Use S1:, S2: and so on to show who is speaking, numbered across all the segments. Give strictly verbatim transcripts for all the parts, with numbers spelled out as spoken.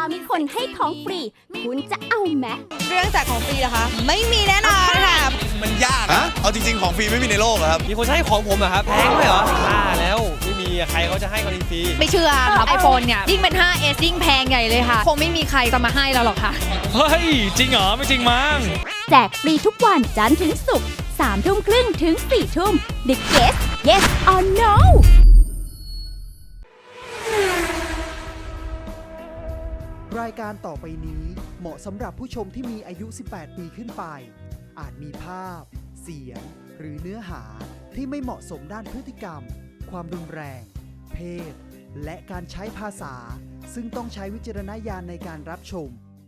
S1: มีคนให้ของฟรีคุณจะเอาไหม
S2: เรื่องแจกของฟรีเหรอคะไม่มีแน่นอนค่ะ
S3: มันยากอะเอาจริงๆของฟรีไม่มีในโลกครับ
S4: มีคนให้ของผมเหรอครับแพงด้วยเหรอบ้าแล้วไม่มีใครเขาจะให้ของฟรี
S2: ไม่เชื่อครับ iPhone เนี่ยยิ่งเป็น ไฟว์ เอส ยิ่งแพงใหญ่เลยค่ะคงไม่มีใครจะมาให้เราหรอกค่ะ
S4: เฮ้ยจริงเหรอไม่จริงมั้ง
S1: แจกฟรีทุกวันจันทร์ถึงศุกร์สามทุ่มครึ่งถึงสี่ทุ่ม The Guest Yes or No
S5: รายการต่อไปนี้เหมาะสำหรับผู้ชมที่มีอายุ สิบแปด ปีขึ้นไปอาจมีภาพเสียงหรือเนื้อหาที่ไม่เหมาะสมด้านพฤติกรรมความรุนแรงเพศและการใช้ภาษาซึ่งต้องใช้วิจารณญาณในการรับชม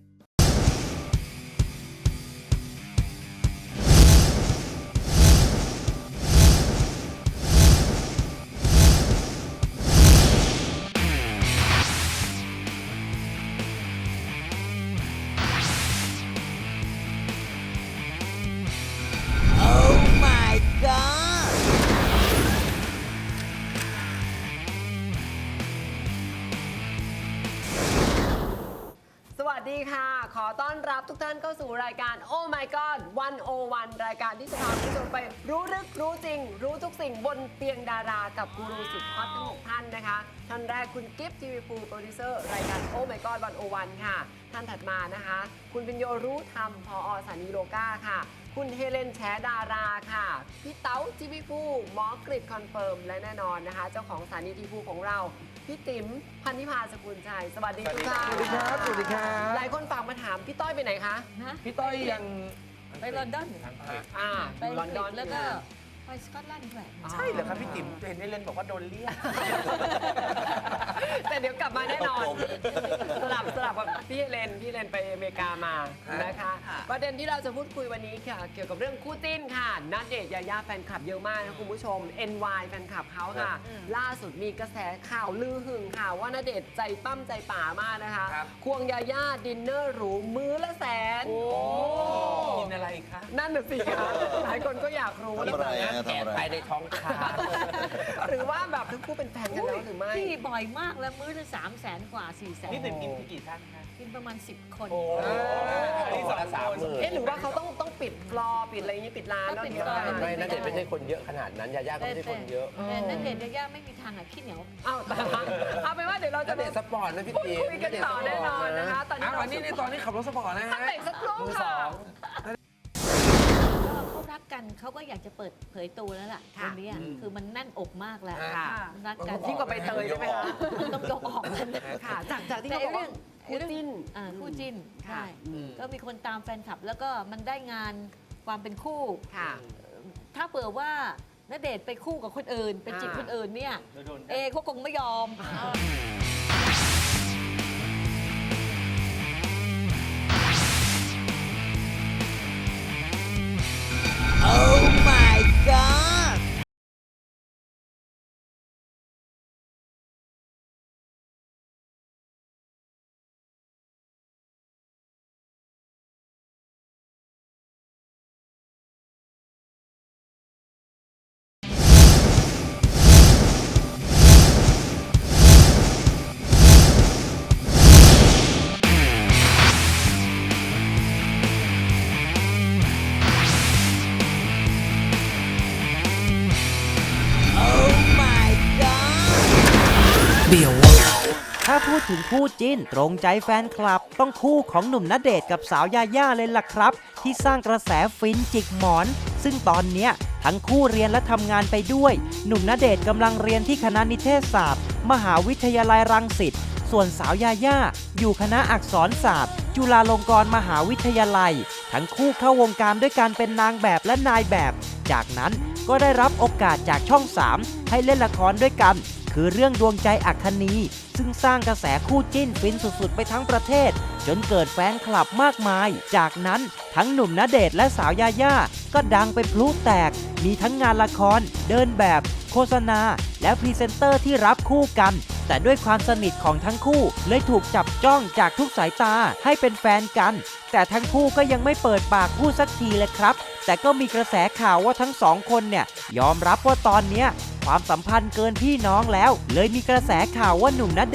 S6: สวัสดีค่ะขอต้อนรับทุกท่านเข้าสู่รายการ Oh My God วันโอวันรายการที่จะพาคุณผู้ชมไปรู้ลึกรู้จริงรู้ทุกสิ่งบนเตียงดารากับกูรูสุดฮอตทั้งหกท่านนะคะท่านแรกคุณกิฟต์ทีวีฟูโปรดิวเซอร์รายการ Oh My God วันโอวันค่ะท่านถัดมานะคะคุณพิญโยรู้ธรรมผอ.สถานีโลกาค่ะคุณเฮเลนแชดาราค่ะพี่เต๋าทีวีฟูหมอกริดคอนเฟิร์มและแน่นอนนะคะเจ้าของสถานีทีวีฟูของเราพี่ติ๋มพันธิพาสกุลชัยสวัสดีทุกท่าน
S7: สวัสดีครับสวัสดีครับ
S6: หลายคนฝากมาถามพี่ต้อยไปไหนคะ
S7: พี่ต้อยยัง
S8: ไปลอนดอน
S6: อ่า
S8: ไปลอนดอนแล้วก็ไปสกอตแลนด์ด้วย
S7: ใช่เหรอครับพี่ติ๋มเห็นได้เล่นบอกว่าโดนเรียก
S6: แต่เดี๋ยวกลับมาแน่นอนสลับสลับกับพี่เลนพี่เลนไปอเมริกามานะคะประเด็นที่เราจะพูดคุยวันนี้ค่ะเกี่ยวกับเรื่องคู่จิ้นค่ะณเดชน์ยายาแฟนคลับเยอะมากนะคุณผู้ชม เอ็น วาย แฟนคลับเขาค่ะล่าสุดมีกระแสข่าวลือหึงค่ะว่าณเดชน์ใจปั้มใจป่ามากนะคะควงยายาดินเนอร์หรูมื้อละแสน
S7: กินอะไรคะ
S6: นั่นน่ะสิคะหลายคนก็อยากรู้
S3: ทำอะไร
S7: แกะไปในท้องคา
S6: หรือว่าแบบทั้งคู่เป็นแฟนกันแล้วหรือไม่
S8: ที่บ่อยมากแล้วมื้อละสามแสนกว่าสี่แสน
S7: พี่ติ๋มกินกี่ท่านคะ
S8: กินประมาณสิบคน
S7: นี่สองสาม
S6: เอ๊ะหรือว่าเขาต้องต้องปิดฟลอร์ปิดอะไรอย่างนี้ปิดร้านแล้ว
S8: ปิด
S6: ร้าน
S7: ไม่ณเดชน์ไม่ใช่คนเยอะขนาดนั้นยาย่าก็ไม่ใช่คนเยอะ
S8: แต่ณเดชน์ยาย่าไม่มีทางอ่ะขี้เหนียว
S6: อ้าวเอาเป็นว่าเดี๋ยวเราจะ
S7: ณเดชน์สปอร์ตนะพี่ติ๋ม
S6: คุยกันต่อแน่นอนนะคะตอนนี้
S7: วันนี้ในตอนนี้ขับรถสปอร์ตนะฮะ
S6: เตะสักครู่ค่ะ
S8: เขารักกันเขาก็อยากจะเปิดเผยตัวแล้วล่ะตรงนี้คือมันแน่นอกมากแล้วรักกัน
S6: ยิ่งกว่าใบเตยใช่ไหมคะ
S8: ต้องยกออกกัน
S6: ค่ะจากจากที่เขาบอกว่าคู่จิ้น
S8: คู่จิ้นใช่ก็มีคนตามแฟนคลับแล้วก็มันได้งานความเป็นคู่
S6: ค่ะ
S8: ถ้าเผื่อว่าณเดชน์ไปคู่กับคนอื่นเป็นจิตคนอื่นเนี่ยเอเขาคงไม่ยอม
S9: ถ้าพูดถึงคู่จิ้นตรงใจแฟนคลับต้องคู่ของหนุ่มณเดชน์กับสาวยาย่าเลยล่ะครับที่สร้างกระแสฟินจิกหมอนซึ่งตอนเนี้ยทั้งคู่เรียนและทำงานไปด้วยหนุ่มณเดชน์กำลังเรียนที่คณะนิเทศศาสตร์มหาวิทยาลัยรังสิตส่วนสาวยาย่าอยู่คณะอักษรศาสตร์จุฬาลงกรณ์มหาวิทยาลัยทั้งคู่เข้าวงการด้วยการเป็นนางแบบและนายแบบจากนั้นก็ได้รับโอกาสจากช่องสามให้เล่นละครด้วยกันคือเรื่องดวงใจอัคคณีซึ่งสร้างกระแสคู่จิ้นฟินสุดๆไปทั้งประเทศจนเกิดแฟนคลับมากมายจากนั้นทั้งหนุ่มณเดชน์และสาวยาย่าก็ดังไปพลุแตกมีทั้งงานละครเดินแบบโฆษณาและพรีเซนเตอร์ที่รับคู่กันแต่ด้วยความสนิทของทั้งคู่เลยถูกจับจ้องจากทุกสายตาให้เป็นแฟนกันแต่ทั้งคู่ก็ยังไม่เปิดปากพูดสักทีเลยครับแต่ก็มีกระแสข่าวว่าทั้งสองคนเนี่ยยอมรับว่าตอนเนี้ยความสัมพันธ์เกินพี่น้องแล้วเลยมีกระแสข่าวว่าหนุ่มณเดชน์ค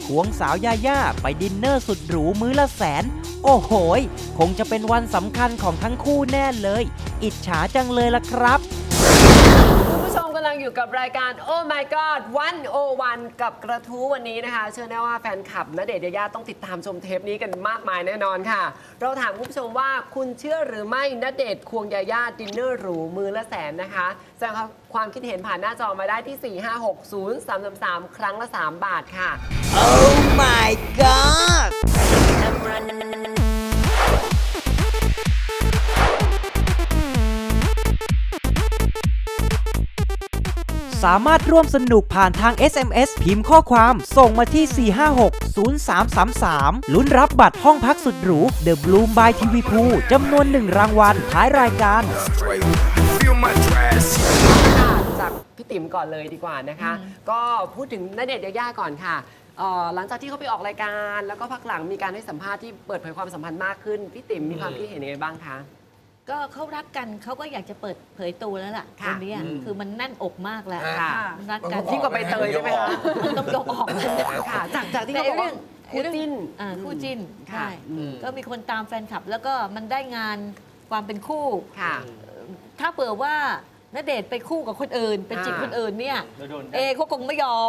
S9: ควงสาวยาย่าไปดินเนอร์สุดหรูมื้อละแสน โอ้โหยคงจะเป็นวันสำคัญของทั้งคู่แน่เลย อิจฉาจังเลยล่ะครับ
S6: คุณผู้ชมกำลังอยู่กับรายการ Oh My God วันโอวันกับกระทู้วันนี้นะคะ เชื่อแน่ว่าแฟนคลับณเดชน์ยายาต้องติดตามชมเทปนี้กันมากมายแน่นอนค่ะ เราถามคุณผู้ชมว่าคุณเชื่อหรือไม่ณเดชน์ควงยายาดินเนอร์หรูมือละแสนนะคะแสดงความคิดเห็นผ่านหน้าจอมาได้ที่ สี่ ห้า หก ศูนย์ สาม สาม สาม ครั้งละ สาม บาทค่ะ
S9: Oh my god สามารถร่วมสนุกผ่านทาง เอส เอ็ม เอส พิมพ์ข้อความส่งมาที่ สี่ ห้า หก ศูนย์ สาม สาม สาม ลุ้นรับบัตรห้องพักสุดหรู The Bloom by ที วี Pool จำนวนหนึ่งรางวัลท้ายรายการ
S6: จากพี่ติ๋มก่อนเลยดีกว่านะคะ ก็พูดถึงณเดชน์ยายาก่อนค่ะเอ่อหลังจากที่เขาไปออกรายการ แล้วก็พักหลังมีการให้สัมภาษณ์ที่เปิดเผยความสัมพันธ์มากขึ้น พี่ติ๋มมีความคิดเห็นยังไงบ้างคะ
S8: ก็เขารักกันเขาก็อยากจะเปิดเผยตัวแล้วล่ะ
S6: ค่ะ
S8: วันนี้คือมันแน่นอกมากแล้ว
S6: ค่ะ
S8: รักกัน
S6: ยิ่งกว่าใบเตยใช่ไหมคะ
S8: ต้องยกออก
S6: ค่ะจากจากที่
S8: แต่
S6: เขาบอก
S8: เรื่
S6: ว่า
S8: อง
S6: คู่จิ้น
S8: อ่าคู่จิ้น
S6: ค่ะ
S8: ใช่
S6: อืม
S8: ก็มีคนตามแฟนคลับ แล้วก็มันได้งานความเป็นคู่
S6: ค่ะ
S8: ถ้าเปิดว่าณเดชน์ไปคู่กับคนอื่นไปจีบ
S6: อ่า
S8: คนอื่นเนี่ย
S4: โดน
S8: เอเขาคงไม่ยอม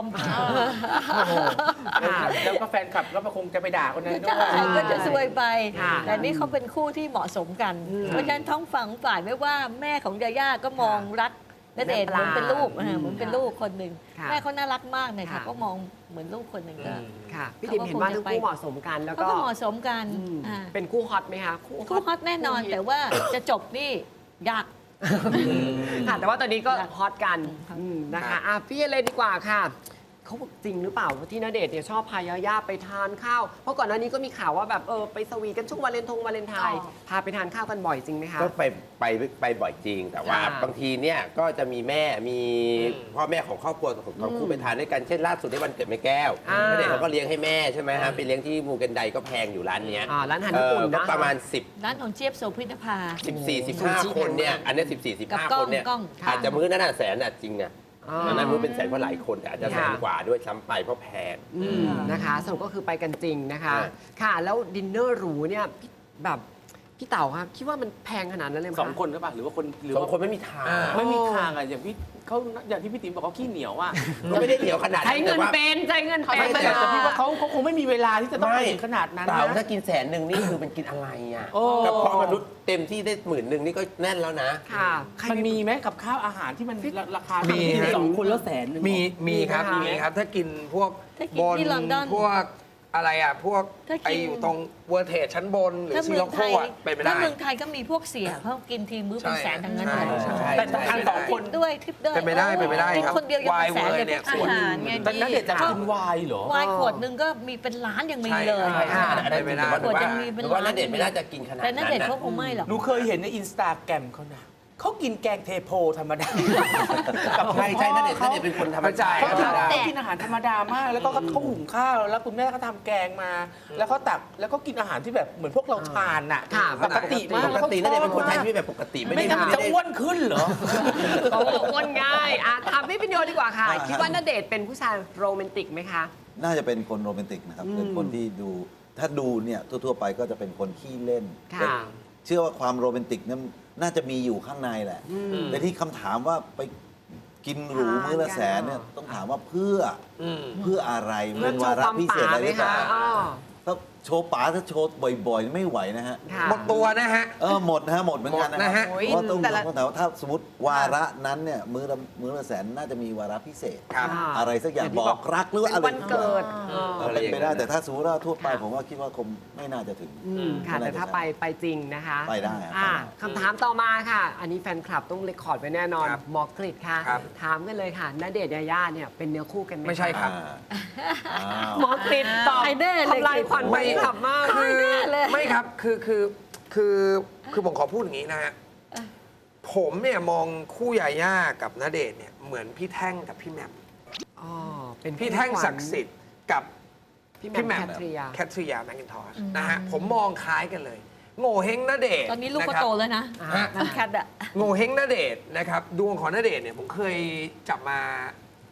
S7: แล้วก็แฟนคลับก็คงจะไปด่าคนนั้นด้ว
S8: ใช่
S7: ย
S8: ก็จะซวยไป
S6: ค่ะ
S8: แต่นี่เขาเป็นคู่ที่เหมาะสมกัน เพราะฉะนั้นท้องฝั่งฝ่ายไม่ว่าแม่ของยาย่าก็มองรักณเดชน์เหมือนเป็นลูก
S6: อืม
S8: อ่าเหมือนเป็นลูกคนหนึ่ง
S6: ค่ะ
S8: แม่เขาน่ารักมากเลยค่ะ
S6: ค่ะ
S8: ก็มองเหมือนลูกคนหนึ่งก็
S6: ค่ะ พี่ติ๋มเห็นว่าทั้งคู่เหมาะสมกันแล้ว
S8: เขา
S6: ก็
S8: ก็เหมาะสมกัน
S6: อืม
S8: อ่า
S6: เป็นคู่ฮอตไหมคะ
S8: คู่ฮอตแน่นอน
S6: คู่ฮิต
S8: แต่ว่าจะจบนี่ยาก
S6: ค่ะ แต่ว่าตอนนี้ก็ฮอตกัน
S8: ครับ
S6: อืมนะคะอ่ะพี่เลยดีกว่าค่ะ เขาบอกจริงหรือเปล่าว่าที่ณเดชน์เนี่ยชอบพายาย่าไปทานข้าว เพราะก่อนหน้านี้ก็มีข่าวว่าแบบเออไปสวีทกันช่วงวาเลนทงวาเลนไทน์
S8: อ๋อ
S6: พาไปทานข้าวกันบ่อยจริงไหมคะ
S7: ก็ไปไปไปบ่อยจริง แต่ว่า
S6: ค่ะ
S7: บางทีเนี่ยก็จะมีแม่มีพ่อแม่ของครอบครัวของของคู่ไปทานด้วยกันเช่นล่าสุดในวันเกิดแม่แก้ว
S6: อ่า
S7: ณเดชน์เขาก็เลี้ยงให้แม่ใช่ไหมฮะไปเลี้ยงที่มูเกนไดก็แพงอยู่ร้านเนี้ย
S6: อ่าร้านอาหารญี่ปุ่น
S7: เออก็
S6: นะ
S7: ประมาณสิบ
S8: ร้านของเจี๊ยบโสภิตภา
S7: สิบสี่สิบห้าคนเนี่ยอันเนี้สิบสี่สิบ
S8: กับ
S7: ห้าก
S8: ล้อง
S7: คนเนี่ย
S8: กล้อง
S6: ค่ะ
S7: อาจจะมื้อนั้นน่ะแสนน่ะจริงเนี่ย
S6: อ่า
S7: อันนั้นมื้อเป็นแสนเพราะหลายคนแต่อาจจะแสน
S6: ค่ะ
S7: กว่าด้วยซ้ำไปเพราะแพง
S6: อืมนะคะสรุปก็คือไปกันจริงนะคะ
S7: อ่า
S6: ค่ะ แล้วดินเนอร์หรูเนี่ยพี่แบบพี่เต๋าครับคิดว่ามันแพงขนาดนั้นเลยไหม
S10: สอง
S6: คะ
S10: คนหรือเปล่าหรือว่าคนหรือ
S7: สอง
S10: ว่า
S7: คนไม่มีทาง
S10: ไม่มีทางอ่ะอย่างพี่เขาอย่างที่พี่ติ๋มบอกเขาขี้เหนียวอ่ะ
S7: ก็ไม่ได้เหนียวขนาด
S6: ใช้เงิน
S7: แต่ว่า
S6: เป็นใช้เงิน
S10: เขา
S6: เป็
S10: ไม่
S6: น
S10: แต่แต่พี่ว่าเขาเขาคงไม่มีเวลาที่จะต้องไปถึงขนาดนั้น
S7: เต่า
S10: นะ
S7: ถ้ากินแสนหนึ่งนี่คือมันกินอะไรอ่ะ
S10: โอ้
S7: กับพอมนุษย์เต็มที่ได้หมื่นหนึ่งนี่ก็แน่นแล้วนะ
S6: ค่ะใคร
S10: มันมีไหมกับข้าวอาหารที่มันราคา
S11: มี
S10: ที่
S11: ฮะ
S10: สองคนแล้วแสนหนึ่ง
S11: มีมีครับ
S6: มีไหมคะ
S11: มีครับ ถ้ากินพวก
S8: ถ้ากิน
S11: บน
S8: ที่ลอนดอน
S11: พวกอะไรอ่ะ พวก
S8: ถ้ากิน
S11: ไออยู่ตรงเวอร์เทจชั้นบน หรือ
S8: ถ้า
S11: ซี
S8: เมื
S11: โร
S8: อง
S11: โค
S8: ไทย
S11: อ่ะเป็นไป
S8: ถ้า
S11: ได้
S8: เมืองไทยก็มีพวกเสียเขากินทีมื้อเป็น
S11: ใช่
S8: แสนทั้งนั้น
S11: ใช่
S8: เลย
S11: ใช่
S10: แต่ต้องการสองคน
S8: ด้วยทิปด้วย
S11: เป็นไปได้เป็นไปได้
S8: กิน
S11: ครับ
S8: คนเดียวยังเป็นแสน
S11: วายเวอร์
S8: เลย
S11: เนี่ย
S8: พวกอาหารไง
S10: แต่นั่นเด็ดจะกินไวน์เหรอ
S8: วายขวดหนึงก็มีเป็นล้านยังมี
S11: ใช่
S8: เลย
S11: ใช่ใช่
S7: อันนั้น
S11: เป็นไปได้
S7: หรือว่า
S8: ขวดยังมีเป็น
S7: หรือว่า
S8: ล้าน
S7: ณเดชน์ไม่น่าจะกินขนาด
S8: แต่
S7: นั้
S8: นั่
S7: น
S8: นเด็ด
S7: นะ
S8: เขาคงไม่หรอก
S10: หนูเคยเห็นในอินสตาแกรมเขานะเขากินแกงเทโพธรรมดา
S7: ใช่ใช่ณเดชน์ณเดชน์เป็นคนธรรมชาติ
S10: เขา
S7: ธรรมดา
S10: ทำกินอาหารธรรมดามาก แล้วก็เขาหุงข้าวแล้วคุณแม่ก็ทำแกงมา แล้วเขาตักแล้วก็กินอาหารที่แบบเหมือนพวกเราทานน่ะ
S6: ค่ะ
S10: ปกติมาก
S7: ปกติณเดชน์เป็นคนไทยที่แบบปกติไม่
S10: ไม่
S7: ได้
S10: งั้น
S7: ไม่
S10: จะ
S7: ได้
S10: อ้วนขึ้นเหรอ
S6: เขาอ้วนง่ายอ่ะถามพี่พิญโยดีกว่าค่ะ คิดว่าณเดชน์เป็นผู้ชายโรแมนติกไหมคะ
S12: น่าจะเป็นคนโรแมนติกนะครับ
S6: อืม
S12: เป็นคนที่ดูถ้าดูเนี่ยทั่วๆไปก็จะเป็นคนขี้เล่น
S6: ค่ะ
S12: แต่เชื่อว่าความโรแมนติกนั้นน่าจะมีอยู่ข้างในแหละ
S6: อืม
S12: แต่ที่คำถามว่าไปกินหรูมื้อละแสนเนี่ยต้องถามว่าเพื่ออเพื่ออะไร
S6: เพื่อ
S12: เป็น
S6: โช
S12: วา
S6: ว์
S12: ระ
S6: ความ
S12: พิเศษ
S6: ป๋า
S12: อะไร
S6: ไห
S12: ห
S6: ม
S12: รือเป
S6: คะ
S12: ล่า
S6: อ๋อ
S12: ถ้าโชว์ป๋าถ้าโชว์บ่อยๆ ไม่ไหวนะฮะ
S6: ค่ะ
S11: หมดตัวนะฮะ
S12: เออหมดนะฮะหมดเหมือนกันนะ
S11: หมดนะ
S12: ครั
S11: ฮะ
S12: บ
S6: โอ้ย
S12: เพราะต้อง
S6: แต่ละ
S12: ต้องถามว่าถ้าสมมติวาระนั้นเนี่ยมื้อละมื้อละแสนน่าจะมีวาระพิเศษ
S11: ครับ
S6: ค่ะ
S12: อะไรสักอย่าง
S6: อย่างที่
S12: บบ อ
S6: อก
S12: กรักหรือว่า
S6: เป็น
S12: อะไร
S6: วันเกิด
S12: เออเป็นไปได้แต่ถ้าสมมติว่าทั่วไปผมว่าคิดว่าคงไม่น่าจะถึง
S6: อืมค่ะแต่ถ้าไปไปจริงนะคะ
S12: ไปได้ครับ
S6: อ่ะคำถามต่อมาค่ะ อันนี้แฟนคลับต้องเรคคอร์ดไว้แน่นอน
S11: ครับ
S6: หมอกฤษค่ะ
S11: ครับ
S6: ถามกันเลยค่ะณเดชน์ยาย่าเนี่ยเป็นเนื้อคู่กันไหมะ
S11: ไม่ใช่ครับ
S12: อ่าอ้าว
S6: หมอกฤษตอบ
S8: ใครแน่เลย
S6: ทำลายขวัญแฟนคลับมาก
S11: คือ
S8: เลย
S11: ไม่ครับคือคือคือคือผมขอพูดอย่างนี้นะฮะผมเนี่ยมองคู่ยาย่ากับณเดชน์เนี่ยเหมือนพี่แท่งกับพี่แหม่ม
S6: อ๋อเป็น
S11: พี่แท่งศักดิ์สิทธิ์กับ
S6: พี่
S11: พี่
S6: แห
S11: แห
S6: ม่
S11: ม่
S6: ม
S11: ม
S6: แคทริยา
S11: แคทริยาแมคกินทอชนะฮะผมมองคล้ายกันเลย โง่เฮงณเดชน์
S8: ตอนนี้ลูกก็
S11: ะครับ
S8: โตแล้วนะ
S6: อ่า
S8: น้ำแคทอะ
S11: โง่เฮงณเดชน์นะครับดวงของณเดชน์เนี่ยผมเคยจับมา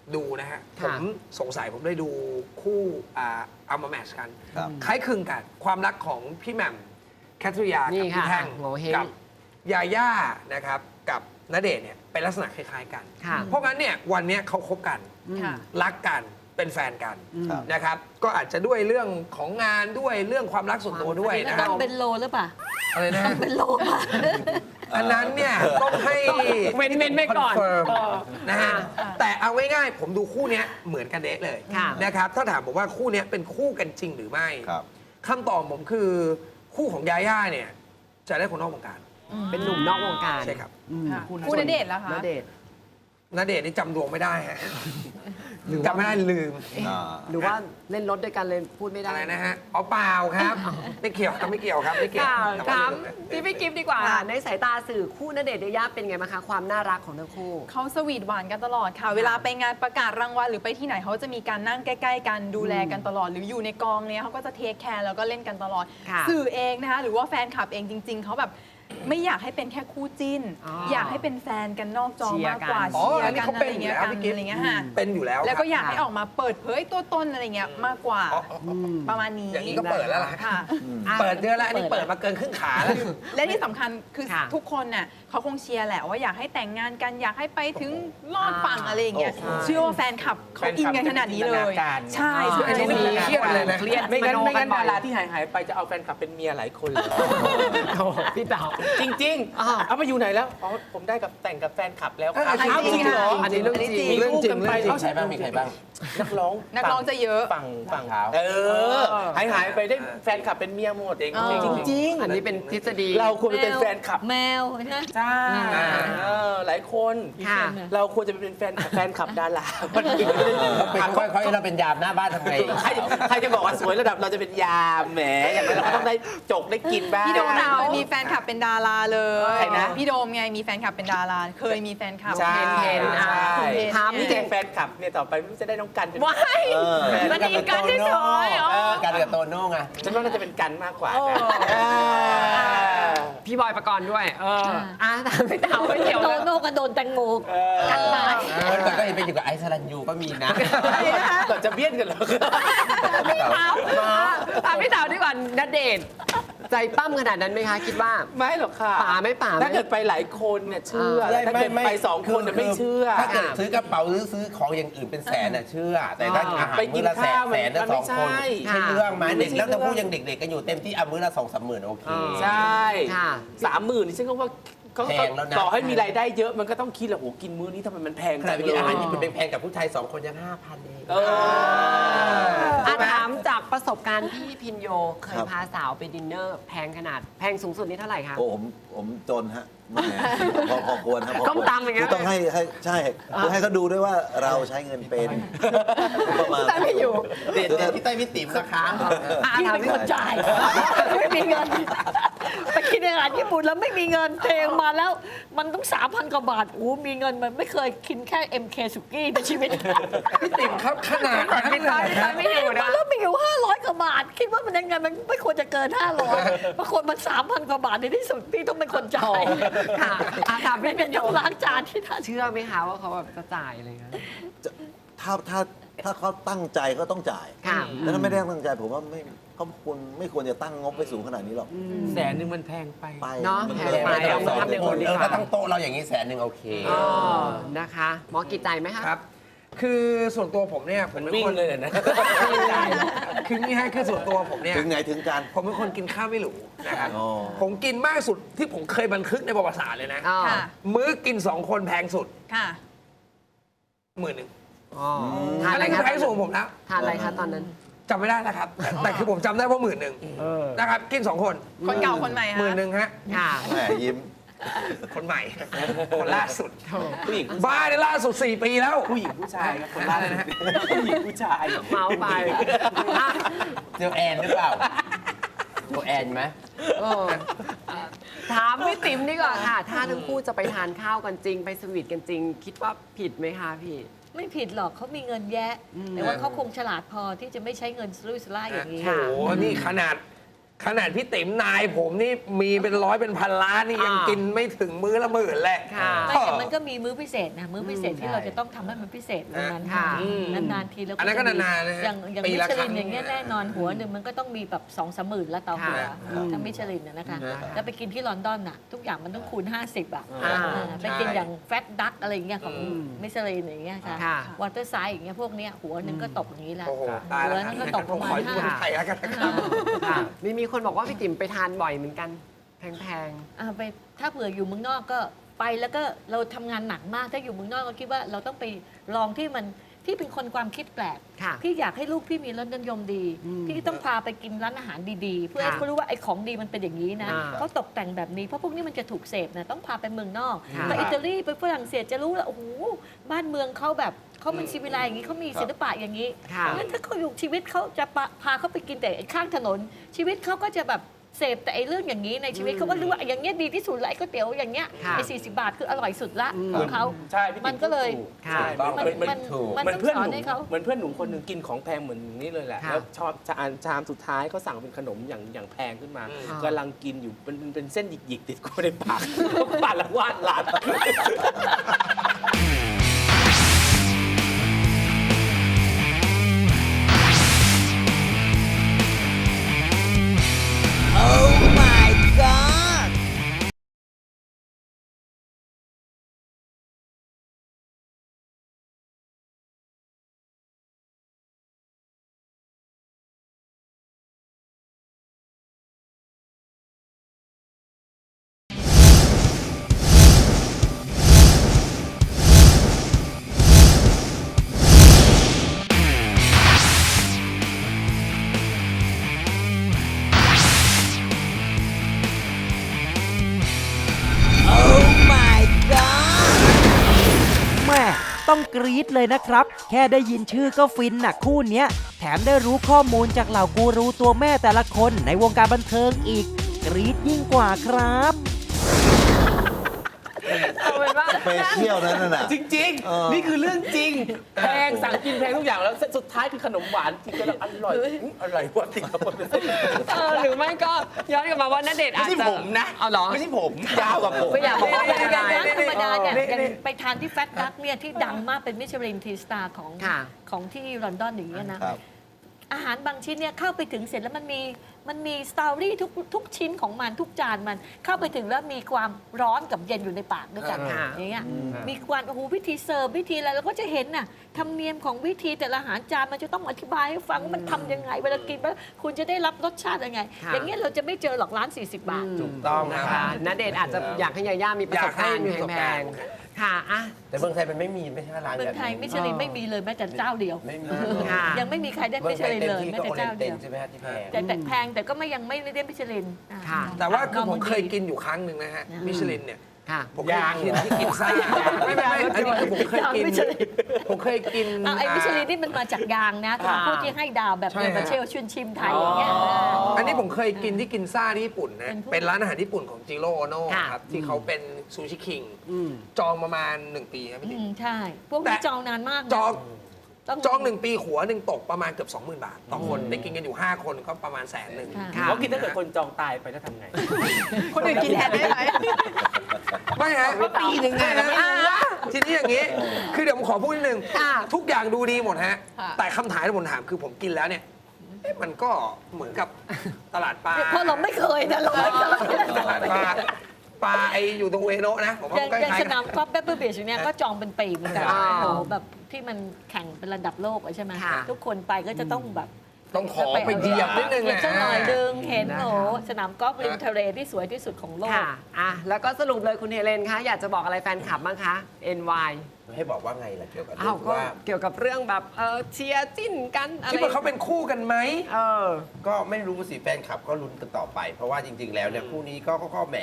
S11: ดูนะฮะ ผ
S6: ค่ะ
S11: มสงสัยผมได้ดูคู่อ่าเอามาแมทช์กัน
S12: ครับ
S11: คล้ายคลึงกัน ความรักของพี่แหม่มแคทริยา
S6: นี่
S11: กับพี่
S6: ค่ะ
S11: แท่ง
S6: โงเห้ง
S11: กับยาย่านะครับกับณเดชน์เนี่ยเป็นลักษณะคล้ายๆกัน
S6: ค่ะ
S11: เพราะงั้นเนี่ยวันเนี้ยเขาคบกัน
S2: ค่ะ
S11: รักกันเป็นแฟนกัน
S12: ครับ
S11: นะครับ ก็อาจจะด้วยเรื่องของงานด้วยเรื่องความรักส่วนตัวด้วย
S8: แล้ว
S11: นะค
S8: ต้
S11: รั
S8: อบ งเป็นโลหรือเปล่า
S11: อะไรนะ
S8: ต้องเป็นโลป่ะ
S11: อันนั้นเนี่ยต้องให้
S6: เว้นเว้นไว้ก่อน
S11: คเฟิร์ม
S6: เออ
S11: นะฮะ
S6: อ่า
S11: แต่เอาง่ายๆผมดูคู่เนี้ยเหมือนกันเดะเลย
S6: ค่ะ
S11: นะครับถ้าถามผมว่าคู่เนี้ยเป็นคู่กันจริงหรือไม่
S12: ครับ
S11: คำตอบผมคือคู่ของยาย่าเนี่ยจะได้คนนอกวงการ
S6: เป็นหนุ่มนอกวงการ
S11: ใช่ครับ
S6: อืม
S2: ค่ะคู่ณเดชน์ล่ะคะ
S6: ณเดชน์
S11: ณเดชน์นี่จำดวงไม่ได้ฮะจำไม่ได้ลืม
S12: อ่า
S6: หรือว่าเล่นรถด้วยกันเลยพูดไม่ได้
S11: อะไรนะฮะอ๋อเปล่าครับ ไม่เกี่ยวครับไม่เกี่ยวครับไม่เกี่ยว
S6: ค่ะ
S11: แต่
S6: ถา
S11: ว่
S6: มพี่พี่กิฟต์ดีกว่า ในสายตาสื่อคู่ณเดชน์ยายาเป็นไงบ้างคะความน่ารักของทั้งคู่
S2: เขาสวีทหวานกันตลอดค่ะ เวลาไปงานประกาศรางวัลหรือไปที่ไหนเขาจะมีการนั่งใกล้ๆกันดูแลกันตลอด หรืออยู่ในกองเนี้ยเขาก็จะเทคแคร์แล้วก็เล่นกันตลอด
S6: ค่ะ
S2: สื่อเองนะคะหรือว่าแฟนคลับเองจริง ๆเขาแบบไม่อยากให้เป็นแค่คู่จิ้น
S6: อ๋อ
S2: อ
S6: อ
S2: ยากให้เป็นแฟนกันนอกจอ
S6: เชียร์
S2: มากกว่า
S6: กัน
S11: อ๋อ
S2: เชีย
S11: อัน
S2: ร์
S11: นี้
S2: กัน
S11: เขา
S2: อะ
S11: เป็
S2: ไร
S11: นอยู่
S2: เงี้ย
S11: แล้ว
S2: กัน
S11: พี่กิ๊ฟ
S2: อะไรเงี้ยค่ะ
S11: เป็นอยู่แล้ว
S2: แล้วก็
S11: ครับ
S2: อยากให้ออกมาเปิดเผยตัวตนอะไรเงี้ยมากกว่า
S11: อ๋ออ๋ออ๋อ
S2: ประมาณนี้
S11: อย่างนี้ก็เปิดแล้วล่ะ
S2: ค่ะ
S11: เปิดเยอะแล้วอันนี้เปิดมาเกินครึ่งขาแล้ว
S2: และที่สำคัญคือ
S6: ค่ะ
S2: ทุกคนน่ะเขาคงเชียร์แหละว่าอยากให้แต่งงานกันอยากให้ไปถึงลอดฝั่งอะไรอย่างเงี้ย
S6: โอ้โห
S2: เชื่อว่าแฟนคลับเขาอินกันขนาดนี้เลย
S10: แฟนคลับจะจินตนาการ
S2: ใช่
S6: อ่า
S2: ใช่
S11: อันนี้ไม่เครียดเลยนะ
S6: เครียด
S10: ไม่งั้น
S6: มโ
S10: ไม่งั้น
S6: บ่อ
S10: ดาย ราที่หายหายไปจะเอาแฟนคลับเป็นเมียหลายคนเลย
S6: โอ้พี่เต๋า
S10: จริง
S6: อ้าว
S10: ๆ เอาไปอยู่ไหนแล้วอ๋อผมได้กับแต่งกับแฟนคลับแล้ว
S11: เออ
S10: ครับ
S11: จริง
S10: เอาจริงเหรอ
S6: อันนี้เรื่องจริง
S10: มี
S11: เรื่อง
S10: ลูก
S11: จริง
S10: กันไป
S11: เรื่องจริง
S10: ใครบ้างมีใครบ้าง นักร้อง
S2: นักร้องจะเยอะ
S10: ฝั่งฝั่งเออหายหายไปได้แฟนคลับเป็นเมียหมด
S11: จริง
S2: เออ
S10: จริง
S6: อันนี้เป็นทฤษฎี
S10: ๆเราควรจะเป็นแฟนคลับ
S8: แมวนะ
S10: ใช่เออหลายคน
S6: ค่ะ
S10: เราควรจะเป็นแฟนแฟนคลับดารา
S7: เป็นค่อยๆเราเป็นยามหน้าบ้านทำไง
S10: ใครใครจะบอกว่าสวยระดับเราจะเป็นยามแหมอย่างนั้นเราก็ต้องได้จกได้กินบ้าง
S2: พี่โดมเคยมีแฟนคลับเป็นดาราเลย
S10: ใครนะ
S2: พี่โดมไงมีแฟนคลับเป็นดารา เคยมีแฟนคลับ
S10: ใช่
S6: เพนๆอ่ะ
S10: ใช่
S6: ถาม
S10: นี่แกแฟนคลับเนี่ยต่อไปไม่รู้จะได้น้องกันเป็น
S6: ว้าย
S12: เออ
S6: มันอีกกันเฉยๆอ๋อ
S7: เออกันกับโตโน่ไง
S10: ฉันว่าน่าจะเป็นกันมากกว่า
S6: โอ้
S10: เออ
S6: พี่บอยประกรณ์ด้วย เอออ่ะถามพี่เต๋าไม่เกี่ยว
S8: โต
S6: เลย
S8: โน่กระโดนแตงโม
S6: กันตาย
S7: วันก่อนก็เห็นไปอยู่กับไอซ์สรันยูก็มีนะ
S10: ก่อนจะเบี้ยนกันเหรอ
S6: พี่เต๋าถามพี่เต๋าดีกว่าณเดชน์ใจปั้มขนาดนั้นไหมคะคิดว่า
S10: ไม่หรอกค่ะ
S6: ป่าไม่ป่าไหม
S10: ถ้าเกิดไปหลายคนเนี่ยเชื่อแต่ถ้าเกิดไปสองคนเนี่ยไม่เชื่อ
S7: ถ้าเกิดซื้อกระเป๋าหรือซื้อของอย่างอื่นเป็นแสนน่ะเชื่อ แต่ถ้าอาหาร
S10: ไปกิ
S7: มื้
S10: น
S7: อละแสน
S10: ข้าวมัน
S7: แสนละ
S10: มัน
S7: ส
S10: ไม่
S7: องคน
S10: ใช่
S7: ใช่เรื่องไหม
S10: มันไม่
S7: เด็ก
S10: ใช่
S7: แล้วถ้า
S10: เรื่อง
S7: พูดยังเด็กๆกันอยู่เต็มที่เอามื้อละสองสามหมื่นโอเค
S10: ใช่
S6: ค่ะ
S10: สามหมื่นนี่ฉันก็ว่าก็
S7: แพงแล้วนะ
S10: ต่อให้มีรายได้เยอะมันก็ต้องคิดแหละโหกินมื้อนี้ทำไมมันแพง
S7: ขนาดไป
S10: เล
S7: กิน
S10: ย
S7: อาหารญี่ปุ่นแพงๆกับผู้ชายสองคนยังห้าพันเอง
S10: เออ
S6: อ่ะถามจากประสบการณ์พี่พินโยเคย
S12: ครับ
S6: พาสาวไปดินเนอร์แพงขนาดแพงสูงสุดนี่เท่าไหร่คะ
S12: โอ้ผมผมจนฮะแหมพอพอควรครับพอควร
S6: ก้มตำอย่างเงี้ย
S12: คือต้องให้ให้ใช่คือให้เขาดูด้วยว่าเราใช้เงินเป็นประมาณ
S6: แต่ไม่อยู่
S7: เด็ดๆที่ใต้พี่ติ๋มนะคะ
S6: อ่ะ
S8: พี่
S6: ถาม
S8: เป็น
S6: พี่
S8: คนจ่าย ไม่มีเงิน ไปกินอาหารญี่ปุ่นแล้วไม่มีเงินเทงมาแล้ว มันต้องสามพันกว่าบาทโอ้มีเงินมันไม่เคยกินแค่ เอ็ม เค สุกี้ในชีวิต
S11: พี่ติ๋มครับขนาดนั้น
S6: พี่
S11: เล
S6: ต้อย
S11: ย
S6: พี่ต้อยไม่อยู่นะ
S8: แล้วมีอยู่ห้าร้อยกว่าบาท คิดว่ามันยังไงมันไม่ควรจะเกินห้าร้อยบางคนมันสามพันกว่าบาทในที่สุดพี่ต้องเป็นคนจ่าย
S6: ค่ะอ่ะถาม
S8: ไม่
S6: พี่
S8: เป็
S6: พิ
S8: น
S6: นโย
S8: ต้องล้างจานที่ท่าน
S6: เชื่อไหมคะว่าเขาแบบจะจ่ายอะไรเงี้ย
S12: ถ้าถ้าถ้าเขาตั้งใจก็ต้องจ่าย
S6: ค่ะ
S12: แล้วถ้าไม่ได้ตั้งใจผมว่าไม่เขาควรไม่ควรจะตั้งงบไปสูงขนาดนี้หรอก
S10: แสนหนึ่งมันแพงไป
S12: ไป
S6: เนาะ
S12: มั
S6: แพ
S12: ก็
S6: งไป
S7: ไม่
S6: เอา
S7: ต้องส
S6: มา
S7: อง
S6: ทำอย่าง
S7: ค
S6: อื่
S7: น
S6: นดี
S7: เออก ถ้า
S6: ว่า
S7: ตั้งโต๊ะเราอย่างนี้แสนหนึ่งโอเค
S6: อ๋อนะคะหมอกิจใจไหมคะ
S11: ครับ คือส่วนตัวผมเนี่ยผมเป็น
S10: วิ่ง
S11: คน
S10: เลยนะ
S11: คือนี่ฮะคือส่วนตัวผมเนี่ย
S12: ถึงไหนถึงกัน
S11: ผมเป็นคนกินข้าวไม่หรูนะครับ
S12: อ๋อ
S11: ผมกินมากสุดที่ผมเคยบันทึกในประวัติศาสตร์เลยนะ
S6: อ๋อ
S2: ค่ะ
S11: มื้อกินสองคนแพงสุด
S2: ค่ะ
S11: หมื่นหนึ่ง
S6: อ๋อทาน
S11: อัน
S6: อะไร
S11: นั้นคือ
S6: คะ
S11: แพงสุดของผมแล้ว
S6: ทานอะไรคะตอนนั้น
S11: จำไม่ได้นะครับ แต่แต่คือผมจำได้ว่าหมื่นหนึ่งนะครับ กินสองคน
S2: คนเก่าคนใหม่
S11: หมื่น
S2: ฮะ
S11: หนึ่งฮะ
S6: ค่ะ
S12: แหมยิ้ม
S11: คนใหม่ คนล่าสุด
S10: ผู้หญิง
S11: บ้าในล่าสุดสี่ปีแล้ว
S10: ผู้หญิงผู้ชายครับคนละนะฮะผู้หญิงผู้ชาย
S6: เมาไปอ่ะ
S7: เจอแอนหรือเปล่าเจอแอนไหม
S6: เออถามพี่ติ๋มดีกว่าค่ะ ถ้าทั้งคู่จะไปทานข้าวกันจริง ไปสวีทกันจริง คิดว่าผิดไหมคะพี่
S8: ไม่ผิดหรอกเขามีเงินแยะ แต่ว่าเขาคงฉลาดพอที่จะไม่ใช้เงินสุรุ่ยสุร่ายอย่างนี้
S6: ค่ะ
S11: โอ้โหนี่ขนาดขนาดพี่ติ๋มนายผมนี่มีเป็นร้อยเป็นพันล้านนี่ยัง
S6: อ่ากิ
S11: กินไม่ถึงมื้อละหมื่นแหละ
S6: ค่ะ
S8: ไม่แต่มันก็มีมื้อพิเศษนะมื้อพิเศษที่เราจะต้องทำให้มันพิเศษวันนั้น
S6: ค่ะ
S8: นานๆทีแล้ว
S11: อันนั้นก็นานๆนะฮะ
S8: อย่างอย่าง
S11: ปี
S8: มิ
S11: ละ
S8: ช
S11: ครั้
S8: ลิ
S11: ง
S8: นอย่างเงี้ยแน่นอนหัวหนึ่งมันก็ต้องมีแบบสองสามหมื่นละต่อหัว
S6: ค่ะ
S8: ถ้ามิชลินน่ะนะคะ
S11: ค่ะ
S8: แล้วไปกินที่ลอนดอนน่ะทุกอย่างมันต้องคูณ ห้าสิบอ่ะ
S6: อ่า
S8: อ่าไปกินอย่างแฟตดักอะไรอย่างเงี้ยของ
S6: อืม
S8: มิชลินอย่างเงี้ยค่ะ
S6: ค่ะ
S8: วอเตอร์ไซด์อย่างเงี้ยพวกเนี้ยหัวหนึ่งก็ตกอย่างนี้แหละ
S11: โอ้โหตายแล้ว
S8: หัวนั้นก็ตกประมาณ
S11: ขอให้
S8: ห้า
S11: พูดไทยแล้วกันนะครับ
S6: ค่ะมีมีคนบอกว่าพี่ติ๋มไปทานบ่อยเหมือนกันแพง
S8: อ่าไปถ้าเผื่ออยู่เมืองนอกก็ไปแล้วก็เราทำงานหนักมากถ้าอยู่เมืองนอกก็คิดว่าเราต้องไปลองที่มันที่เป็นคนความคิดแปลก
S6: ๆค่ะ
S8: พี่อยากให้ลูกพี่มีรสนิยมดี
S6: อืม
S8: พี่ต้องพาไปกินร้านอาหารดีๆ เพื่อให้
S6: ค่ะ
S8: เขารู้ว่าไอ้ของดีมันเป็นอย่างนี้นะ
S6: อ่า
S8: เขาตกแต่งแบบนี้เพราะพวกนี้มันจะถูกเสพนะต้องพาไปเมืองนอก
S6: ค่ะ
S8: ไปอิตาลีไปฝรั่งเศสจะรู้ว่าโอ้โหบ้านเมืองเขาแบบเขาเป็นชีวิไลอย่างนี้เขามีศิลปะอย่างนี้
S6: ค่ะ
S8: งั้นถ้าเขาอยู่ชีวิตเขาจะพาพาเขาไปกินแต่ข้างถนน ชีวิตเขาก็จะแบบเสพแต่ไอ้เรื่องอย่างนี้ในชีวิตเขาก็รู้ว่าอย่างเงี้ยดีที่สุดละไอ้ก๋วยเตี๋ยวอย่างเงี้ย
S6: ค่ะ
S8: ไอ้สี่สิบบาทคืออร่อยสุดละ
S6: อืม
S8: ของเขา
S10: ใช่พี่ติ๋
S8: มันก็เลย
S10: ถู
S6: ค่ะ
S10: ใช่
S8: มัน
S10: เหมือน
S8: มัน
S12: ถูก
S8: มัน
S10: เหมือน
S8: ต้อง
S10: เพื่อน
S8: ส
S10: ห
S8: อน
S10: นู
S8: ให้เขา
S10: เหมือนเพื่อนหนูคนหนึ่งกินของแพงเหมือนนี้เลยแหละ
S6: ค่ะ
S10: แล้วชอบชามชามสุดท้ายเขาสั่งเป็นขนมอย่างอย่างแพงขึ้นมา
S6: อืม
S10: กำลังกินอยู่เป็นเป็นเป็นเส้นหยิกๆติดเข้าไปในปาก ปาดละวาดหลาน
S9: แม่ต้องกรี๊ดเลยนะครับ แค่ได้ยินชื่อก็ฟินหนักคู่เนี้ย แถมได้รู้ข้อมูลจากเหล่ากูรูตัวแม่แต่ละคนในวงการบันเทิงอีก กรี๊ดยิ่งกว่าครับ
S6: เอาเป็นว่า
S12: สเปเชียลนั้นน่ะ
S10: จริง
S12: เออ
S10: ๆ นี่คือเรื่องจริง แพงสั่งกินแพงทุกอย่างแล้วสุดท้ายคือขนมหวานกินกันแล้วอร่อยอื้ออร่อยวะติดกับคนเป็นเส้น
S6: เออหรือไม่ก็ย้อนกลับมาว่าณเดชน์
S10: ไม่
S6: อาจ
S10: ใช่
S6: จะ
S10: ผมนะ
S6: เอาเหรอ
S10: ไม่ใช่ผมยาวกว่าผม
S6: ไม่อยากบอกว่าเป็นอะไร
S8: ร้านธรรมดาเนี่ย
S10: นี่
S8: อย่าง
S10: นี่
S8: ไปทานที่แฟตดักเนี่ยที่ดังมากเป็นมิชลินทีสตาร์ของ
S6: ค่ะ
S8: ของที่ลอนดอนอย่างเงี้ยนะครับ อาหารบางชิ้นเนี่ยเข้าไปถึงเสร็จแล้วมันมีมันมีสตอรี่ทุกทุกชิ้นของมันทุกจานมันเข้าไปถึงแล้วมีความร้อนกับเย็นอยู่ในปากด้วยกัน
S6: ค่ะ
S8: อย่างเงี้ยมีความโอ้โหวิธีเสิร์ฟวิธีอะไรเราก็จะเห็นน่ะธรรมเนียมของวิธีแต่ละอาหารจานมันจะต้องอธิบายให้ฟังว่ามันทำยังไงเวลากินแล้วคุณจะได้รับรสชาติยังไง
S6: ค่ะ
S8: อย่างเงี้ยเราจะไม่เจอหรอกร้าน สี่สิบบาท
S11: ถูกต้อง
S6: นะ
S11: นะ
S6: คะณเดชน์อาจจะอยากให้ยาย่ามีประสบการณ์
S11: อยากให้มีประสบ
S6: แพ
S11: การ
S6: ง
S11: ณ์
S6: ๆค่ะอ่ะ
S7: แต่เมืองไทยมันไม่มีไม่ใช่ร้าน
S8: เมืองไทยมิชลินไม่มีเลยแม้แต่เจ้าเดียว
S7: ไม่มี
S6: ค่ะ
S8: ยังไม่มีใครได้
S7: เมื
S8: มิ
S7: อง
S8: ช
S7: ไทย
S8: ลิน
S7: เต็ม
S8: เลย
S7: ที่
S8: แม้
S7: ก็
S8: แต่
S7: โอเรี
S8: เจ้าย
S7: นเต็
S8: เดี
S7: น
S8: ยว
S7: ใช่ไหมฮะที่แพง
S8: แต่แต่แพงแต่ก็ไม่ยังไม่ได้มิชลินอ่า
S6: ค่ะ
S11: แต่ว่าคือผมเคย
S8: นอร์มันดี
S11: กินอยู่ครั้งหนึ่งนะฮะ
S8: อืม
S11: มิชลินเนี่ย
S6: ค่ะ
S11: ผมเคยกินที่กินซ่าไม่ไม่ไม่อันนี้คือผมเคยกิน
S8: มิชลิน
S11: ผมเคยกิน
S8: อ่ะไอ้มิชลินนี่มันมาจากยางนะ
S11: อ่า
S8: ผู้ที่ให้ดาวแบบ
S11: ใช่
S8: เด
S11: ฮะ
S8: บาเชลชุนชิมไทยอย่างเงี้ย
S11: อันนี้ผมเคยกินที่กินซ่าที่ญี่ปุ่นนะ
S8: เป็นพวก
S11: เป็นร้านอาหารญี่ปุ่นของจิโร่โอโน่
S6: ค่ะ
S11: ครับที่เขาเป็นซูชิคิง
S6: อืม
S11: จองประมาณหนึ่งปีครับพี่
S8: อื
S11: ติ๋ม
S8: มใช่ พวกนี้จองนานมากนะ
S11: จอง
S8: ต้อง
S11: จองหนึ่งปีหัวหนึ่งตกประมาณเกือบ สองหมื่น บาท ต่อคนได้กินกันอยู่ ห้า คนก็ประมาณแสนหนึ่ง
S8: ค่ะ
S6: ค่ะ
S10: เขาคิดถ้าเกิดคนจองตายไปแล้วทำไง
S6: คนอื่นกินแทนได้ไหม
S11: ไม่ฮะปีหนึ่งไงนะทีนี้อย่างนี้ คือเดี๋ยวผมขอพูดนิดนึง
S6: ค่ะ
S11: ทุกอย่างดูดีหมดฮะ
S2: ค่ะ
S11: แต่คำถามที่ผมถามคือผมกินแล้วเนี่ยเอ๊ะมันก็เหมือนกับตลาดปลา
S8: เพราะเราไม่เคยนะเราไม่เคย
S11: ตลาดปลาปลาไออยู่ตรงเวโนะนะ ผมว่า
S8: อย่าง
S11: มันก็
S8: อย่าง
S11: คล้าย
S8: ส
S11: ๆกัน
S8: นามกอล์ฟเปเปอร์บีชเนี่ยก็จองเป็นปีเหมือนกัน
S11: อ่า
S8: โอ้โหแบบที่มันแข่งเป็นระดับโลกอะใช่ไหม
S6: ค่ะ
S8: ทุกคนไปก็จะต้องแบบ
S11: ต้องขอไปเหยียบนิดนึง
S8: เหยียบสักหน่อยดึงเห็น
S6: นะคะ
S8: โอ้โหสนามกอล์ฟริมทะเลที่สวยที่สุดของโลก
S6: ค่ะอ่ะ แล้วก็สรุปเลยคุณเฮเลนคะ อยากจะบอกอะไรแฟนคลับบ้างคะ เอ็น วาย
S7: ให้บอกว่าไงล่ะเกี่ยวกับ
S6: อ้า
S7: เรื่
S6: ว
S7: อง
S6: ก็
S7: ว่า
S6: เกี่ยวกับเรื่องแบบเออเชียร์จิ้นกันอะไร
S11: คิดว่าเขาเป็นคู่กันไหม
S6: เออ
S7: ก็ไม่รู้สิแฟนคลับก็ลุ้นกันต่อไป เพราะว่าจริง ๆ แล้วเนี่ยคู่นี้ก็ก็ก็แหม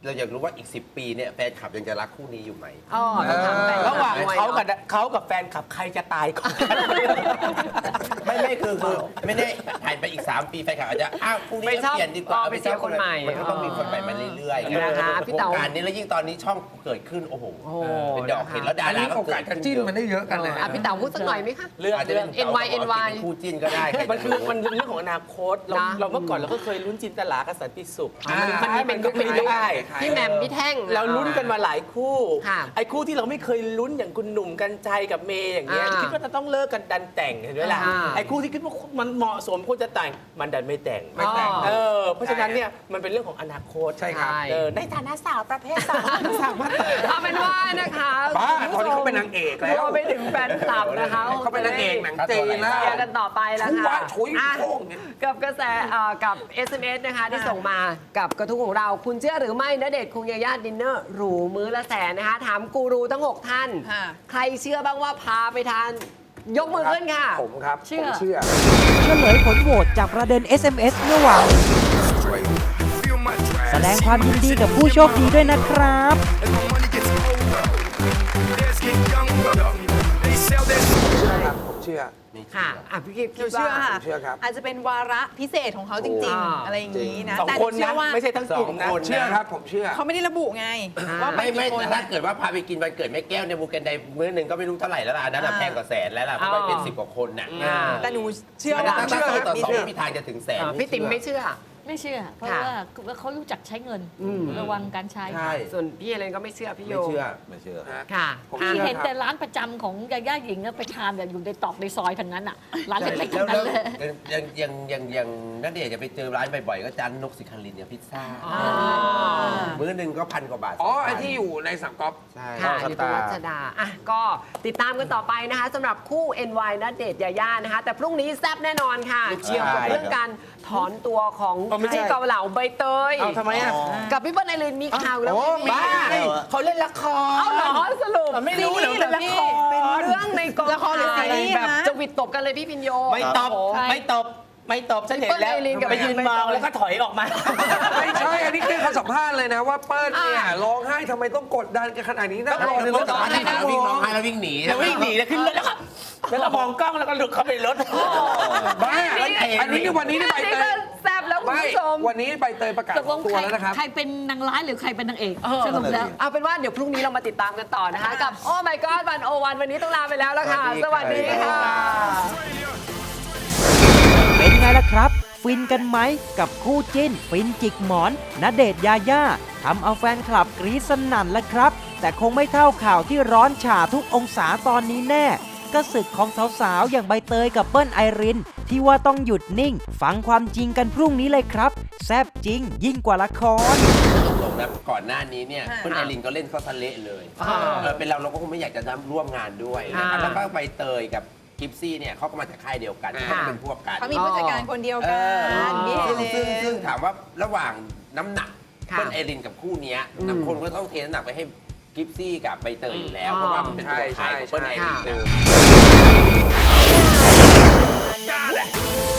S7: เราอยากรู้ว่าอีก สิบ ปีเนี่ยแฟนคลับยังจะรักคู่นี้อยู่ไหม
S6: อ๋อต้องถามแฟนคลับ
S10: ระหว่าง
S6: ด้วย
S10: เขากับ
S6: เนอะ
S10: เขากับแฟนคลับใครจะตายก่อน
S7: ไม่ไม่คือคือไม่ได้ผ่านไปอีก สาม ปีแฟนคลับอาจจะอ้าวคู่นี้
S6: ไม่ชอบ
S7: เปลี่ยนดีกว่า
S6: อ๋อไปเชียร์คนใหม่
S7: มันก็ต้องมีคนใหม่มาเรื่อยๆ
S6: นะคะพี่
S7: ว
S6: เต๋า
S7: งการนี้แล้วยิ่งตอนนี้ช่องเกิดขึ้นโอ้โห
S6: โอ้
S7: เป็นดอกเห็นแล้วดา
S11: อัน
S7: รา
S11: นี้
S7: ก็
S11: โอกาสจะจิ้นมันได้เยอะกันเลย
S6: อ่ะพี่เต๋าพูดสักหน่อยไหมคะ
S10: เรื่อง
S7: อาจจะ
S10: เรื่
S7: เป็
S10: อน ง
S6: เอ็น วาย เอ็น วาย
S7: เป็นคู่จิ้นก็ได้ใคร
S10: มัน
S7: จะ
S10: คือ
S7: รู้
S10: มันเรื่องของอนาคตเรา
S6: นะ
S10: เราเมื่อก่อนเราก็เคยลุ้นจินตลากับสันติสุข
S11: อ่ามั
S10: มันมันมันก็ไม่ได้
S6: พี่แหม่มพี่แท่ง
S10: เราลุ้นกันมาหลายคู่
S6: ค่ะ
S10: ไอ้คู่ที่เราไม่เคยลุ้นอย่างคุณหนุ่มกัญชัยกับเมย์อย่างเงี้ย
S6: อ่า
S10: คิดว่าจะต้องเลิกกันดันแต่งเห็นไหมล่ะ
S6: อ่า
S10: ไอ้คู่ที่คิดว่ามันเหมาะสมควรจะแต่งมันดันไม่แต่ง
S6: ไม่แต่ง
S10: เออเพราะฉะนั้นเนี่ยมันเป็นเรื่องของอนาคต
S11: ใช่ครับ
S10: เออในฐานะสาวประเภทสามสามารถแต่ง
S6: เอาเป็นว่านะคะ
S11: บ้าตอนนี้เขาเป็นนางเอกแล้ว
S6: รวมไปถึงแฟนคลับนะคะ
S11: เขาเป็นนางเอกหนังจีนแล้ว
S6: เชียร์กันต่อไปแล้ว
S11: ทุก
S6: ค่ะ
S11: ว่าถุย
S6: อ่ะ
S11: โค้งเนี่ย
S6: กับกระแสเอ่อกับ เอส เอ็ม เอส นะคะที่ส่งมากับกระทู้ของเรา คุณเชื่อหรือไม่ณเดชน์คุงยาย่าดินเนอร์หรูมื้อละแสนนะคะ ถามกูรูทั้ง หก ท่าน
S2: ค่ะ
S6: ใครเชื่อบ้างว่าพาไปทาน ยกมือขึ้นค่ะ
S11: ผมครับ
S6: เชื่อ
S11: ผมเชื่อ
S9: เฉลยผลโหวตจากประเด็น เอส เอ็ม เอส เมื่อวานแสดงความยินดีกับผู้โชคดีด้วยนะครับ
S11: ครับผมเชื่อ
S6: ค่ะอ่ะพี่กิฟต์
S2: หนูเชื่อค่ะ
S11: ผมเชื่อครับ
S2: อาจจะเป็นวาระพิเศษของเขาจริง
S6: อ่า
S2: ๆ อะไรอย่างนี้นะ
S10: สอง
S2: แต่ห
S10: ค
S2: นู
S10: น
S2: เชื่
S10: นะ
S2: อว่า
S10: ไม่ใช่ทั้งกลุ่มนะ
S7: สองคน
S11: เชื่อครับผมเชื่อ
S2: เขาไม่ได้ระบุไง ว่าไป
S7: ไม่ไม่
S2: กี่คน
S7: แต่ถ้าเกิดว่าพาไปกินวันเกิดแม่แก้วเนี่ยบูเกนไดมื้อหนึ่งก็ไม่รู้เท่าไหร่แล้วล่ะอันนั้นอะ
S2: อ่า
S7: แพงกว่าแสนแล้วล่ะเพราะมันเป็นสิบกว่าคนน่ะ
S6: อ่า
S2: แต่หนูเชื่อ
S7: มัน
S2: ว่า
S7: ตั้งแต่ต่อสอง
S11: เชื่อ
S7: ไม่มีทางจะถึงแสน
S6: อ่ะพี่ติ๋มไม่เชื่อ
S8: ไม่เชื่อ เพราะ
S6: ค่ะ
S8: ว่าเขารู้จักใช้เงิน
S6: อืม
S8: ระวังการใช้
S7: ใช่
S6: ส่วนพี่เอเลนก็ไม่เชื่อพี่โย
S7: ไม่เชื่อ
S12: ไม่เชื่อ
S6: ค่ะ
S11: ผม
S8: ที่
S11: เชื่อ
S8: เห็น
S11: ครับ
S8: แต่ร้านประจำของยาย่าหญิงอะไปทานแต่อยู่ในตอกในซอยทางนั้นอ่ะ ร้านเล็กๆ
S7: แล้
S8: ทั้
S7: ว
S8: งนั้นเลย
S7: ยังยังยังยังนักเดชน์จะไปเจอร้านบ่อยๆก็จานนกสิคารินเนี่ยพิซซ่า
S6: อ๋อ
S7: มื้อหนึ่งก็พันกว่าบาท
S11: อ๋อ
S7: สงพัน
S11: ไอ้ที่อยู่ในสามก๊อฟ
S7: ใช่
S6: ค่ะอยู่ตรงรัชดาอ่ะก็ติดตามกันต่อไปนะคะสำหรับคู่ เอ็น วาย ณเดชน์ยาย่านะคะ แต่พรุ่งนี้แซ่บแน่นอนค่ะเกี่ยวกับเรื่องการถอนตัวของ
S10: อ๋อไม่ใช่
S6: ที่เกาเหลาใบเตย
S10: เอาทำไมอ่ะ
S6: กับพี่เปิ้ลไอรินมีข่าวแล้ว
S11: โอ้
S6: พี่
S10: บ้าเขาเล่นละคร
S6: เอาเหรอสรุป
S10: ไม่รู้เหรอ
S6: ซี
S10: เล่นละคร
S6: เป็นเรื่องในกอง
S2: ละครหรือซีรีส์
S6: แบบ
S2: นะ
S6: จะหวิดตบกันเลยพี่พินโย
S10: ไม่ตบ
S6: โอ้โห
S10: ไม่ตบ ไม่ตบฉันเห็นแล้ว
S6: พี่เปิ้ลไอรินกับ
S10: ไปยืน
S6: ใบเตย
S10: มองแล้วก็ถอยออกมา
S11: ไม่ใช่ อันนี้คือเขาสัมภาษณ์เลยนะว่าเปิ้ลเนี่ยร้องไห้ทำไมต้องกดดันกันขนาดนี้นะรอในรถ
S7: ตอนที่วิ่งร้องไห้แล้ววิ่งหนี
S10: แล้ววิ่งหนีแล้วขึ้นรถแล้วก็แล้วก็มองกล้องแล้วก็หลุดเข้าไปในรถ
S11: บ้าอันนี้คือวันนี้ที่ใบ
S6: นี่
S11: เต
S6: ก็
S11: ย
S6: แซ่บแล้วคุณ
S11: ไม่
S6: ผู้ชม
S11: วันนี้ใบเตยประกาศ
S8: ตกลง
S11: ตัว
S8: ใคร
S11: แล้วนะครับ
S8: ใครเป็นนางร้ายหรือใครเป็นนางเอกสรุปแล้ว
S6: เอาเป็นว่าเดี๋ยวพรุ่งนี้เรามาติดตามกันต่อนะคะ กับโอ้ my god วันโอวันวันนี้ต้องลาไปแล้วแล้วค่ะ สวัสดีค่ะ
S9: เป็นไงล่ะครับ ฟินกันไหมกับคู่จิ้น ฟินจิกหมอนณเดชน์ยาย่าทำเอาแฟนคลับกรี๊ดสนั่นแล้วครับ แต่คงไม่เท่าข่าวที่ร้อนฉ่าทุกองศาตอนนี้แน่ก็ศึกของสาวๆ อย่างใบเตยกับเปิ้ลไอริน ที่ว่าต้องหยุดนิ่ง ฟังความจริงกันพรุ่งนี้เลยครับ แซ่บจริงยิ่งกว่าละคร
S7: ตรงๆนะก่อนหน้านี้เนี่ย
S2: ค่ะ
S7: เพื่อนไอรินก็เล่นเข้าทะเละเลย
S6: อ่า
S7: เออเป็นเราเราก็คงไม่อยากจะร่วมงานด้วยนะครับ
S6: อ่า
S7: แล้วก็ใบเตยกับกิฟซี่เนี่ยเขาก็มาจากค่ายเดียวกัน
S6: ค่ะ
S7: เขาเป็นพวกกัน
S2: เขามีผู้จัดการคนเดียว
S7: เอ
S2: กัน
S7: อ
S2: นี่
S7: ซึ่ง
S2: เล
S7: ซึ่งซึ่ง
S2: ย
S7: ถามว่าระหว่างน้ำหนัก
S6: ค่ะ
S7: เพื่อนไอรินกับคู่เนี้ย
S6: อืม
S7: น้ำคนก็ต้องเทน้ำหนักไปให้กิฟซี่กับใบเตยอยู่แล้ว
S6: อ๋อ
S7: เพราะว่ามันเป็นตัวขายของเพื่อนไอรินนะ
S6: ค่ะ